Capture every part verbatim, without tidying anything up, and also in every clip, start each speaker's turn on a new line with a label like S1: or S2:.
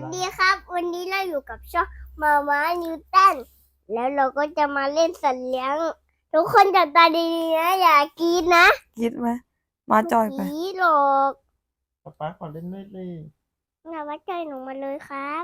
S1: ดีครับวันนี้เราอยู่กับช่องมาม้านิวตันแล้วเราก็จะมาเล่นสัตว์เลี้ยงทุกคนจับตาดีๆนะอย่ากรีดนะ
S2: กรีดไหมมาจอยไป
S1: กรีดหรอก
S3: ป๊าป๊าขอเล่นด้วยเลย
S1: อย่าวัดใจหนูมาเลยครับ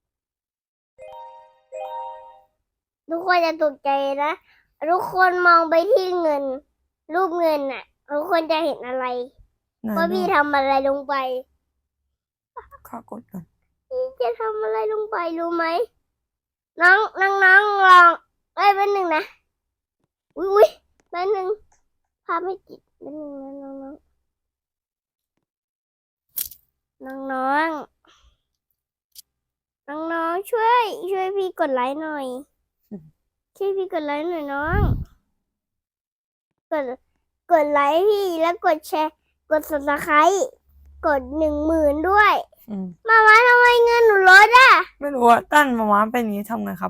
S1: ทุกคนจะตกใจนะทุกคนมองไปที่เงินรูปเงินน่ะทุกคนจะเห็นอะไรว่าพี่ทำอะไรลงไป
S2: ข้ากดก่อน
S1: พี่จะทำอะไรลงไปรู้ไหมน้องน้องน้องลองเอ้ยเป็นหนึ่งนะอุ้ยอุ้ยเป็นหนึ่งภาพไม่ติดเป็นหนึ่งนะน้องน้องน้องน้องน้องน้องช่วยช่วยพี่กดไลค์หน่อยช่วยพี่กดไลค์หน่อยน้องกดกดไลค์พี่แล้วกดแชร์กด ซับสไครบ์ กดหนึ่งหมื่นด้วยมามาทำไมเงินหนูลดอ่ะ
S2: ไม่รู้ว่าตั้นมาม้าเป็นอย่างนี้ทำไงครับ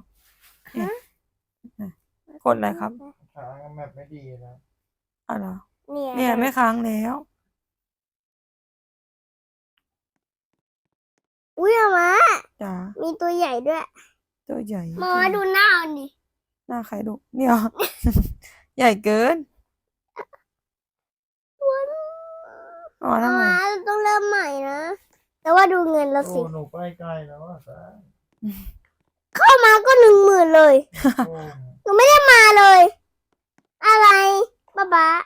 S2: กดอะไรครับ
S3: ค้างแมปไม่ดีนะ
S2: อะไร
S1: เนี่ย
S2: เนี่ยไม่ค้างแล้ว
S1: อุ้ยมา
S2: จ้า
S1: มีตัวใหญ่ด้วย
S2: ตัวใหญ่
S1: มามาดูหน้าดิ
S2: หน้าใครดูเนี่ย ใหญ่เกินอ๋อทำไม
S1: ต้องเริ่มใหม่นะแต่ว่าดูเงินเราสิ
S3: หนูไปไกลแล้วอ่ะจ้า
S1: เข้ามาก็หนึ่งหมื่นเลยหนูไม่ได้มาเลย อะไรบ้าบ้า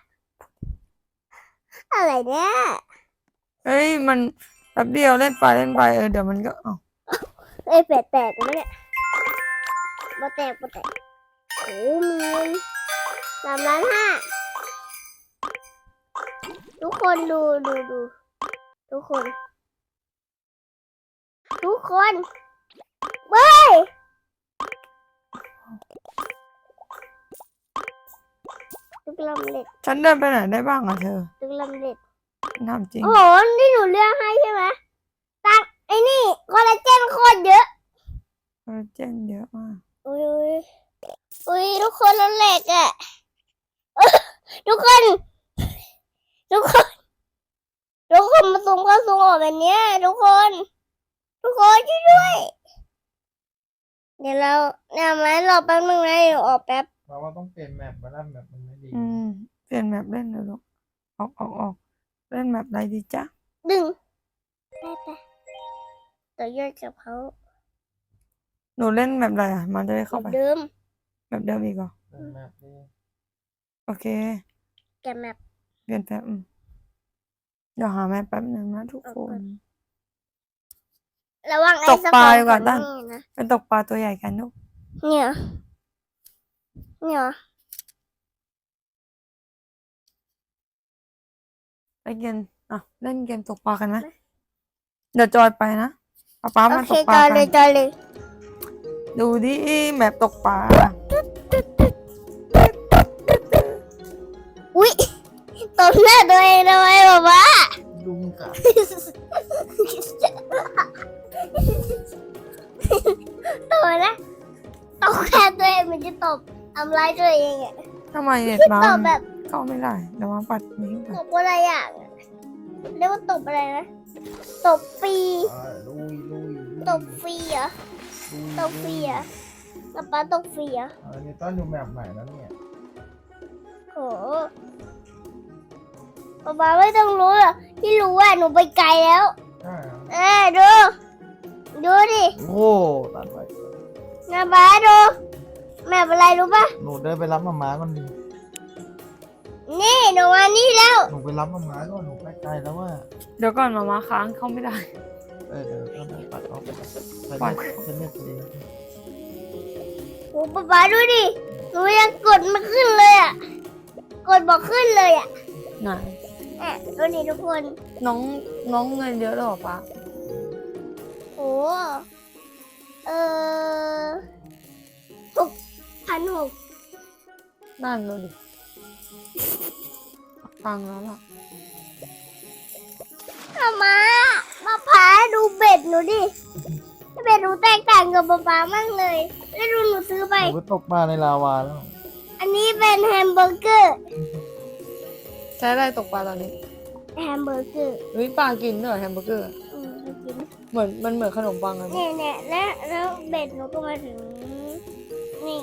S1: อะไรเนี่ย
S2: เฮ้ยมันแป๊บเดียวเล่นไปเล่นไปเออเดี๋ยวมันก็อ๋อ
S1: เอ้ยแปดแตกไหมเนี่ยบ่แตกบ่แตกโอ้มีสามล้านห้าทุกคนดูดูดูทุกคนทุกคนเบ้ยทุกลำเล็ด
S2: ฉันเดินไปไหนได้บ้างอ่ะเธอ
S1: ทุกลำเล็ด
S2: ทำจริง
S1: โอ้โหนี่หนูเลือกให้ใช่ไหมตักไอ้นี่คอลลาเจนโคตรเยอะ
S2: คอลลาเจนเยอะมาก
S1: อุ้ยอุ้ยอุ้ยทุกคนลำเล็กอ่ะทุกคนทุกคนทุกคนมาซูมเข้าซูมออกแบบนี้ทุกคนทุกคนช่วยด้วยเดี๋ยวเราเนี่ยไหมรอแป๊บนึงนะเดี๋ยวออกแป๊บ
S3: เราว่าต้องเปลี่ยนแมปมาแล้วแมปมันไม่ดี
S2: อืมเปลี่ยนแมปเล่นเลยลูกออกออกออกเล่นแมปอะไรดีจ๊ะ
S1: ดึงไปไปต่อยอดกับเขา
S2: หนูเล่นแมปอะไรอ่ะมาจะได้เข้าไป
S1: เดิม
S2: แมปเดิมอีกเหรอ
S3: แมปนี้
S2: โอเค
S1: แกแมป
S2: เปลี่ยนแป๊บเดี๋ยวหาแมปแป๊บหนึ่งนะทุกคน
S1: ระวังไอ้
S2: ตกปลาดีกว่าตั้น
S1: นะ
S2: เป็นตกปลาตัวใหญ่กันลูก
S1: เนี่ยเนี่ย
S2: ไปเกมอ่ะเล่นเกมตกปลากันไหมเดี๋ยวจอยไปนะป๊าป๊ามาตกปลากัน
S1: โอเคจอยเลยจอยเลย
S2: ดูดิแมปตกปลา
S1: อุ้ยตกหน้าตัวเองทำไมบ้าบ้า
S3: ลุงกับ
S1: ตกนะตกแค่ตัวเองมันจะตบทำร้ายตัวเองอ่ะ
S2: ทำไมเน็ตมา
S1: แบบ
S2: เข้าไม่ได้เดี๋ยวมาปัดนี้
S1: ตบอะไรอย่างเรียกว่าตบอะไรนะตบฟรี
S3: ลุยลุย
S1: ตบฟรีเหรอตบฟรีเหรอป๊าป๊าตบฟรีเหรอ
S3: อันนี้ต้นอยู่แมปไหนแล้วเนี่ย
S1: โหป๊าป๊าไม่ต้องรู้หรอกที่รู้ว่าหนูไปไกลแล้วเออดูดูดิ
S3: โอ้ตัดไป
S1: นะป๊าดูแม่เป็นไรรู้ปะ
S3: หนูเดินไปรับมาม้าก่อนดิ
S1: นี่หนูมานี่แล้ว
S3: หนูไปรับมาม้าก่อนหนูไปไกลแล้วว่า
S2: เดี๋ยวก่อนมามาค้างเข้าไม่ได้
S3: เออเดี๋ยวต้องปัดออกไปปัดเป็นเน็ตดี
S1: โอ้ป๊าป๊าดูดิหนูยังกดไม่ขึ้นเลยอ่ะกดบอกขึ้นเลยอ่ะ
S2: ไหน
S1: แอบดูดิทุกคน
S2: น้องน้องเงินเยอะหรอปะ
S1: โอ้เออหกพันหก
S2: นั่นเลยฟังแล้วล่ะ
S1: อามามาพาดูเบ็ดหนูดิเบ็ดหนูแตกต่างกับป๊าป๊ามากเลยแล้วดูหนูซื้อไป
S3: หนูตกมาในลาวาแล้ว
S1: อันนี้เป็นแฮมเบอร์เกอร์
S2: ใช้อะไรตกปลาตอนนี้
S1: แฮมเบอร์เกอร์
S2: วิปลากินด้วยแฮมเบอร์เกอร์
S1: อืมกิน
S2: เหมือนมันเหมือนขนมปังเลย
S1: เนี่ยเนี่ยแล้วแล้วเบ็ดหนูก็มาถึงนี่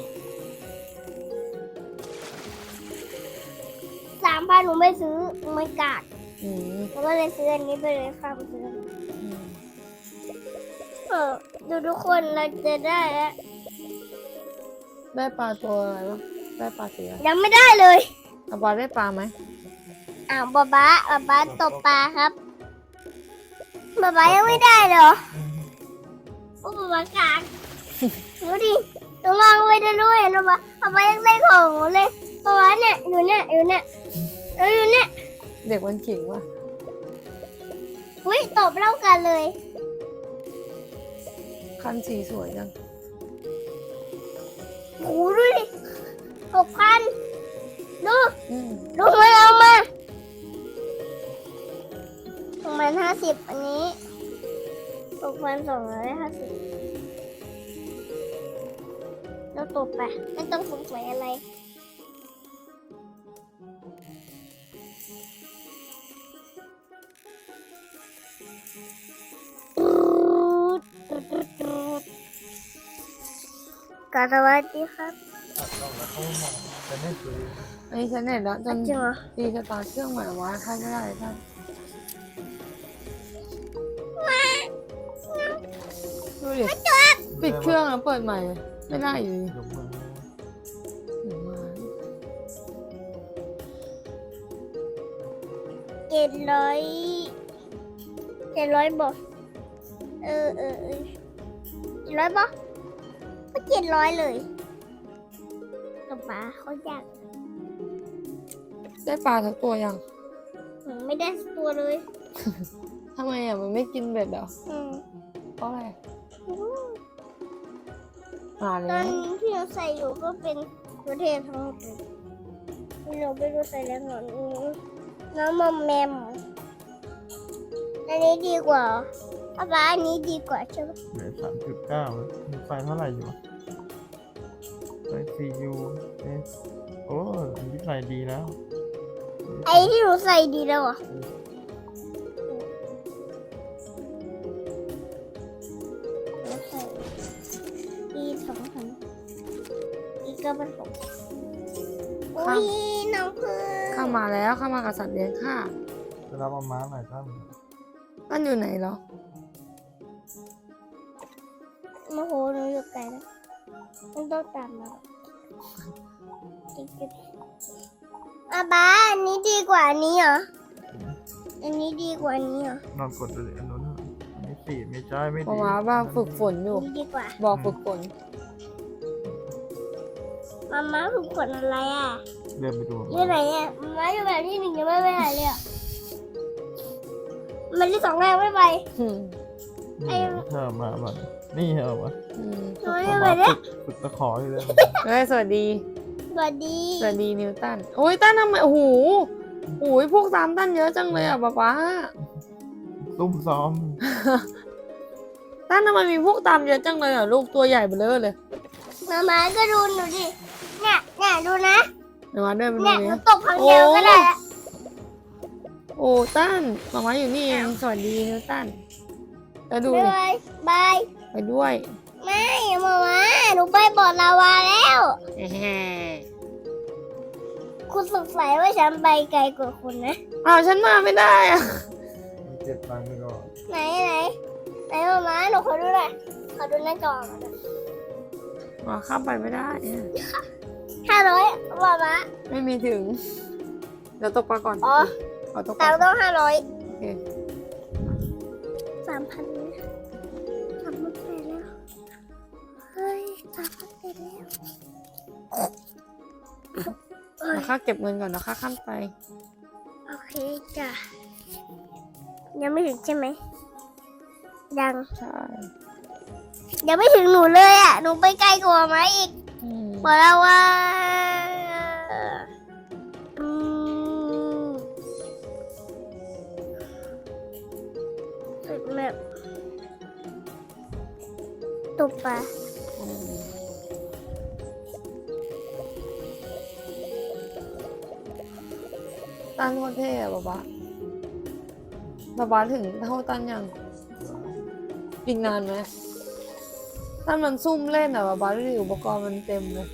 S1: สามพันหนูไม่ซื้อไม่กาด
S2: อืม
S1: หนูก็เลยซื้ออันนี้ไปเลยค่ะซื้ออันนี้
S2: อืม
S1: เออดูทุกคนเราจะได้แล้ว
S2: ได้ปลาตัวอะไรวะได้ปลาเสีย
S1: ยังไม่ได้เลย
S2: อาบาได้ปลาไหม
S1: อ้าวบ๊าบ้าบ๊าบ้าตบปลาครับบ๊าบ้ายังไม่ได้เหรอโอ้บ๊าบ้ากากดูดิหนูมองไปดูด้วยนะบ๊าบ๊าบ้ายังได้ของหนูเลยบ๊าบ้าเนี่ยอยู่เนี่ยอยู่เนี่ยเอออยู่เนี่ย
S2: เด็กมันขิงว่ะ
S1: อุ้ยตบเล่ากันเลย
S2: คันสีสวยจัง
S1: โอ้ดูดิหกพันดู
S2: อืม
S1: ดูมาเอามาหกพันห้าสิบอันนี้หกพันสองร้อยห้าสิบเราตบไปไม่ต้องสงสัยอะไร กาสวัสดีครับ
S3: ตัดต้องแล้วเขาไม่มองจะไม่ซื้อ
S2: อันนี้ฉันเห็นแล้วจ
S1: อ่ะ
S2: น
S1: จริงเหรอ
S2: ตีสตาร์ทเครื่องใหม่วะเข้าไม่ได้ท่านดูดิปิดเครื่องแล้วเปิดใหม่ไม่ได้อยู่ดี
S3: ยกมือ
S2: เดี๋ยวมา
S1: เจ็ดร้อยเจ็ดร้อยบอกเออเออเออเจ็ดร้อยบอกก็เจ็ดร้อยเลยกับป๋าเขาอยาก
S2: ได้ปลาทั้งตัวยัง
S1: หนูไม่ได้สักตัวเลย
S2: ทำไมอ่ะมันไม่กินเบ็ดเหรอ
S1: อืม
S2: เพราะอะไรหา
S1: ต
S2: แล้
S1: อน
S2: ว
S1: นี้ที่เราใส่อยู่ก็เป็นประเทศทั้งหมดเลยเราไปดูใส่แล้วหนอนอืมน้องมอมแมมอันนี้ดีกว่าป้าป๊าอันนี้ดีกว่าใช่ไหม
S3: เหลือสามจุดเก้ามีไฟเท่าไหร่อยู่ไฟซียูเอสโอ้ยไฟดีแล้ว
S1: ไอ้ที่หนูใส่ดีแล้วเหรอ่ะใส่อีสองพันอีกก็เป็นหกอุ้ยน้องพึ่ง
S2: เข้ามาแล้วเข้ามากับสัตว์เลี้ยงค่ะ
S3: จะรับเอาม้าหน่อยตั้ม
S2: ตั้นอยู่ไหนเหรอ
S1: โมโหหนูอยู่ไกลแล้วมันต้องตามมาจริงๆอาบ้าอันนี้ดีกว่าอันนี้เหรออันนี้ดีกว่าอันนี้เหรอน
S3: อนกดเลยอันนู้นไม่สี่ไม่ใช่ไม่
S2: เพ
S3: ดี
S2: ราะว่าบ้างฝึกฝนอยู่
S1: อันนี้ดีกว่า
S2: บอกฝึกฝน
S1: มาม่าฝึกฝนอะไรอ่ะ
S3: เดินไปดู
S1: อยู่ไหนอ่ะมาม่าอยู่แบบที่หนึ่งยังไม่ไปไหนเลยอ่ะมันที่สองแล้วไม่ไป
S2: อืม
S3: นี่เธอมาแบบนี่เหรอวะ
S2: อืม
S1: หนูไม่ไปเนี่ย
S3: ฝึกตะขออยู่เลย
S2: เฮ้ยสวัสดี
S1: สวัสดี
S2: สวัสดีนิวตัน โอ้ยตันทำไม โอ้โหโอ้ยพวกตามตันเยอะจังเลยอ่ะป๊าป๊า
S3: ตุ้มซ้อม
S2: ตันทำไมมีพวกตามเยอะจังเลยอ่ะลูกตัวใหญ่เบ้อเร่อเลย
S1: มาม่าก็ดูหนูดิเนี่ยเนี่ยดูนะ
S2: เดี๋ยวมาเดินไปดู
S1: เนี่ยหนู
S2: นี้
S1: ตกครั้งเดียวก็ได้ละ
S2: โอ้ตันมามาอยู่นี่เอง สวัสดีนิวตันแล้วดู
S1: บ๊าย
S2: ดิ
S1: บายบาย
S2: ไปด้วย
S1: ไม่มาม่าหนูไปบ่อลาวาแล้ว
S2: แหม
S1: คุณสงสัยว่าฉันไปไกลกว่าคุณนะ
S2: อ้าวฉันมาไม่ได้อ่ะ
S3: เจ็บตังค์ไปก่อน
S1: ไหนไหนไหนมาม่าหนูขอดูหน่อยขอดูหน้าจอมาดู
S2: มาข้ามไปไม่ได้อะ
S1: ห้าร้อยมาม่า
S2: ไม่มีถึง เดี๋ยวตกปลาก่อน
S1: อ๋อ
S2: ขอตกป
S1: ตั
S2: ลาง
S1: ค์ต้องห้าร้อย
S2: โอเค
S1: สามพันสามพันไปแล้วเฮ้ยสามพันไปแล้วเอ้ย
S2: เดี๋ยวข้าเก็บเงินก่อนเดี๋ยวข้าข้ามไป
S1: โอเคจ้ะยังไม่ถึงใช่ไหมยัง
S2: ใช่
S1: ยังไม่ถึงหนูเลยอ่ะหนูไปไกลกว่าไหมอีก
S2: อืม
S1: บอกแล้วว่าอืมสุดแบบตบปลา
S2: อืมตันโคตรเท่อะบ๊าบ๊าบ๊าบ๊าถึงเท่าตันยังอีกนานไหมถ้ามันซุ่มเล่นอะแบบบ้าดูดิอุปกรณ์มันเต็มเลย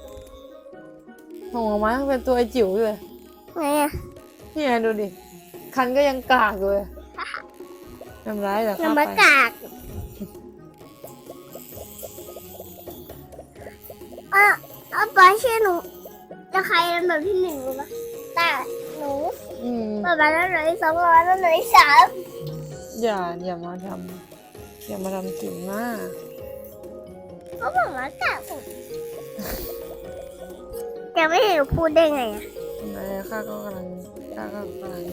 S2: ของไม้ยังเป็นตัวไอจิ๋วอยู่เลย
S1: ไงอ่ะ
S2: นี่ไงดูดิ คันก็ยังกากเลยทำร้ายเหรอ
S1: น้ำมะกากอ่ะเอาปลาเชื่อหนูจะใครลำดับที่หนึ่งรู้ปะแต่หนู
S2: อืม
S1: ประมาณนั้นเลยสองประมาณนั้นเลยสาม
S2: อย่าอย่ามาทำอย่ามาทำจริงมาก
S1: เขาบอกว่ากากผมจะไม่เห็นหนูพูดได้ไงอ่ะ
S2: นายข้าก็กำลังข้าก็กำลัง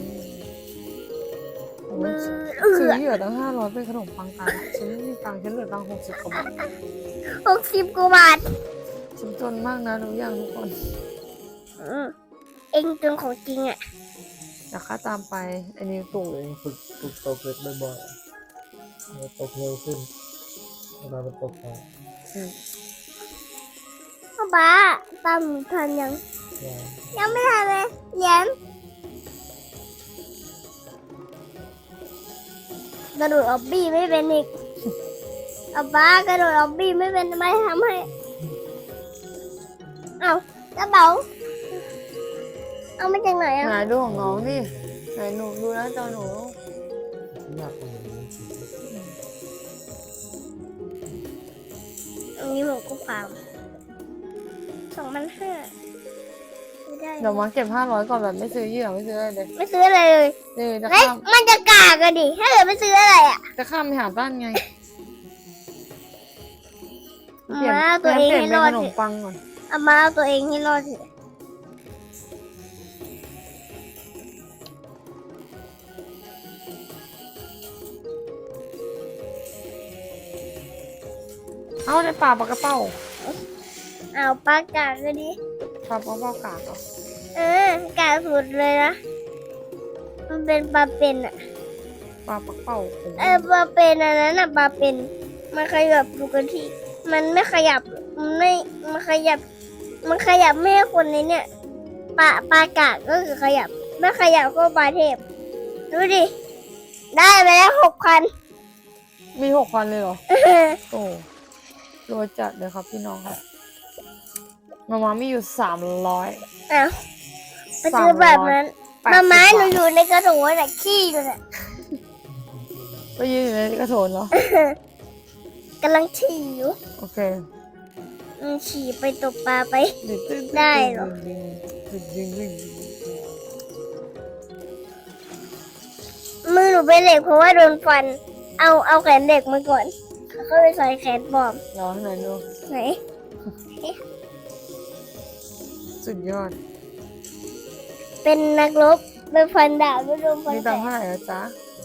S1: มือเอื
S2: ซื้อ
S1: อ
S2: เหยื่อตั้งห้าร้อยเป็นขนมปังตายฉันไม่มีตังค์ฉันเหลือตังค์หกสิบกว่าบาท
S1: หกสิบกว่าบาท
S2: ฉันจนมากนะทุกอย่างทุกคน
S1: อืมเองจนของจริงอ่ะ
S2: อยากข้าตามไปไอ้นิวตู่
S3: ตัวเองฝึกฝึกตกเล็กบ่อยๆมันตกเร็วขึ้นเวลามันตกไป
S2: อืม
S1: พ่อบ้าตามหนูทันยัง
S3: อย่าง
S1: ยังไม่ทันเลยเรียนกระโดดออบบี้ไม่เป็นอีกเอาบ้ากระโดดออบบี้ไม่เป็นทำไมทำให้เอากระเป๋าเอามาจากไหนอ่ะ
S2: ไหนดูของน้องดิไหนหนูดูนะจอหนู
S3: ที่อยากเป็นอย่างนี้
S1: อันนี้หมูกุฟามสองพันห้าไม่ได้
S2: เดี๋ยวมาเก็บห้าร้อยก่อนแบบไม่ซื้อเหยื่อไม่ซื้ออะไรเลย
S1: ไม่ซื้ออะไรเลย
S2: นี่จะ
S1: เฮ้ย
S2: ข้าม
S1: มันจะกากกันดิถ้าเกิดไม่ซื้ออะไรอ่ะ
S2: จะข้ามไปหาบ้านไง
S1: เอามาเอาตัวเอง
S2: ปลี่ยน
S1: ให้
S2: เป็น
S1: รอ
S2: ข
S1: ด
S2: น
S1: เถ
S2: ม
S1: อะ
S2: ปังก่อน
S1: เอามาเอาตัวเองให้รอดเถอะ
S2: เอาในป่าปลากระเป้า
S1: เอาปลากากก็ดิ
S2: ปลาปลาเป้ากากเหรอ
S1: เออกากสุดเลยนะมันเป็นปลาเป็นอ่ะ
S2: ปลาปลาเป้าผม
S1: เออปลาเป็นอันนั้นอ่ะปลาเป็นมันขยับปกติมันไม่ขยับมันไม่มันขยับ มันขยับไม่ให้คนในเนี่ยปลาปลากากก็คือขยับไม่ขยับก็ปลาเทพดูดิได้ไปแล้วหกพัน
S2: มีหกพันเลยเหรอ โอ้รวยจัดเลยครับพี่น้องครับมาม่ามีอยู่สามร้อย
S1: อ้าวไปซื้อแบบนั้น
S2: แปด
S1: มา
S2: สิบ
S1: ม้าหนู
S2: บาท
S1: อยู่ในกระโถนแต่ขี้อยู่น่ะ
S2: ไปยืนอยู่ในกระโถนเหรอ
S1: กำลังฉี่อยู่
S2: โอเค
S1: อืมฉี่ไปตกปลาไป
S2: ดึงดึง
S1: ได้เหรอ
S2: ดึงดึงดึงดึง
S1: มือหนูเป็นเหล็กเพราะว่าโดนฟัน เอาเอาแขนเหล็กมาก่อนแล้วก็ไปใส่แขนปลอม
S2: รอให้หน่อยดู
S1: ไหน
S2: สุดยอด
S1: เป็นนักรบเป็นฟันดาบไม่โดนฟัน
S2: มี
S1: แต
S2: ตัง
S1: ก
S2: ค์เท่าไหร่แล้วจ๊ะ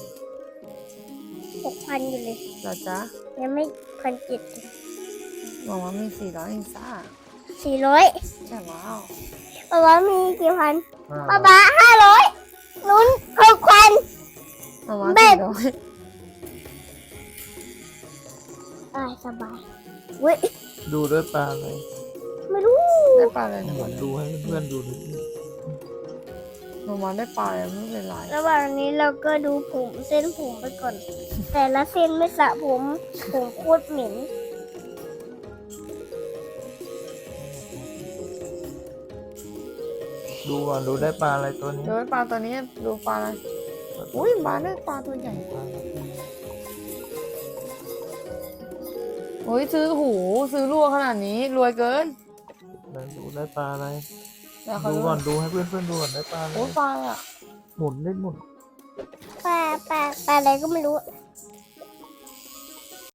S1: หกพันอยู่เลย
S2: เหรอจ๊ะ
S1: ยังไม่พันเจ็ด
S2: บอกว่ามีสี่ร้อยเองจ้า
S1: สี่ร้อย
S2: ใช่ว้าว
S1: ป้าบ้ามีกี่พัน
S3: ห้า
S1: ป้าบ้าห้าร้อยนุ้นหกพัน
S2: มาม่า
S1: เบ็
S2: สี่
S1: ด
S2: ร้อย
S1: อ่าสบายเว้ย
S3: ดูด้วยตาเลย
S1: ไม่รู้
S2: ได้ปลาอะไรนะ
S3: เหมือนดูให้เพื่อนๆดูนิดนึง
S2: มาม่าได้ปลาอะไรไม่เป็นไร
S1: ระหว่างนี้เราก็ดูผมเส้นผมไปก่อน แต่ละเส้นไม่สระผมผมโคตรเหม็น
S3: ดูก่อนดูได้ปลาอะไรตัวนี้
S2: ดูปลาตัวนี้ดูปลาอะไรอุ้ยปลาได้ปลาตัวใหญ่โอ้ยซื้อหูซื้อรัวขนาดนี้รวยเกิน
S3: แล้วดูได้ปลาอะไร
S2: เดี๋ยวเขา
S3: ดู
S2: ดู
S3: ก่อนดูให้เพื่อนๆดูก่อนได้ปลาอะไร
S2: โอ้ยปลาอะ
S3: หมุนได้หมุน
S1: ปลาปลาปลาอะไรก็ไม่รู้